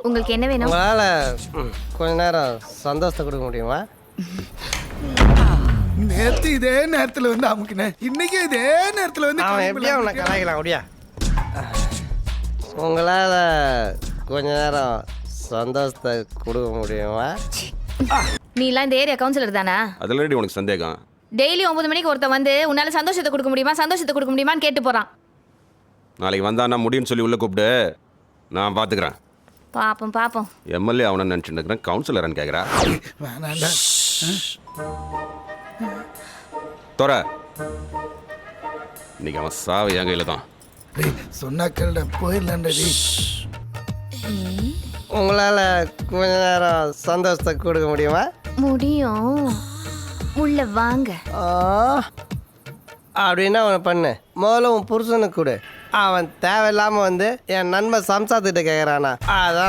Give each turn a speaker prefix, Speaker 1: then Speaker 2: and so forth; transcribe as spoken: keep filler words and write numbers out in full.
Speaker 1: உங்களுக்கு என்ன வேணும்?
Speaker 2: உங்களால் கொஞ்ச நேரம் சந்தோஷத்தை கொடுக்க முடியுமா?
Speaker 3: நேத்து இதே நேரத்துல வந்து அமுக்கினேன், இன்னைக்கு இதே நேரத்துல வந்து
Speaker 2: அவன் எப்படியா அவனை கலாய்க்கலாம் அப்படியா? உங்களால் கொஞ்ச நேரம் சந்தோஷத்தை கொடுக்க முடியுமா?
Speaker 1: நீ எல்லாம் இந்த ஏரியா கவுன்சிலர் தானா?
Speaker 4: அதில் உனக்கு சந்தேகம்?
Speaker 1: டெய்லி ஒன்பது மணிக்கு ஒருத்தன் வந்து உன்னால சந்தோஷத்தை கொடுக்க முடியுமா சந்தோஷத்தை கொடுக்க முடியுமான்னு கேட்டு போறான்.
Speaker 4: நாளைக்கு வந்தான்னா முடியும்னு சொல்லி உள்ளே கூப்பிடு, நான் பார்த்துக்கிறேன்.
Speaker 1: பாப்போம் பாப்போம்.
Speaker 4: எம்எல்ஏ அவனை நினச்சிட்டு இருக்கிறேன், கவுன்சிலர்னு கேட்குறா.
Speaker 3: வேணாண்டா.
Speaker 4: தோற இன்னைக்கு அவன் சாவு என் கையில் தான்.
Speaker 3: டேய் சொன்னா கேளுடா, போயிடலாம்டா டேய்.
Speaker 2: உங்களால் கொஞ்ச நேரம் சந்தோஷத்தை கொடுக்க முடியுமா?
Speaker 1: முடியும். உள்ள வாங்க.
Speaker 2: ஆ, அப்படின்னா அவனை பண்ணு. முதல்ல உன் புருஷனுக்கு கொடு. அவன் தேவையில்லாமல் வந்து என் நண்பன் சம்சாத்துக்கிட்ட கேட்குறானா, அதான்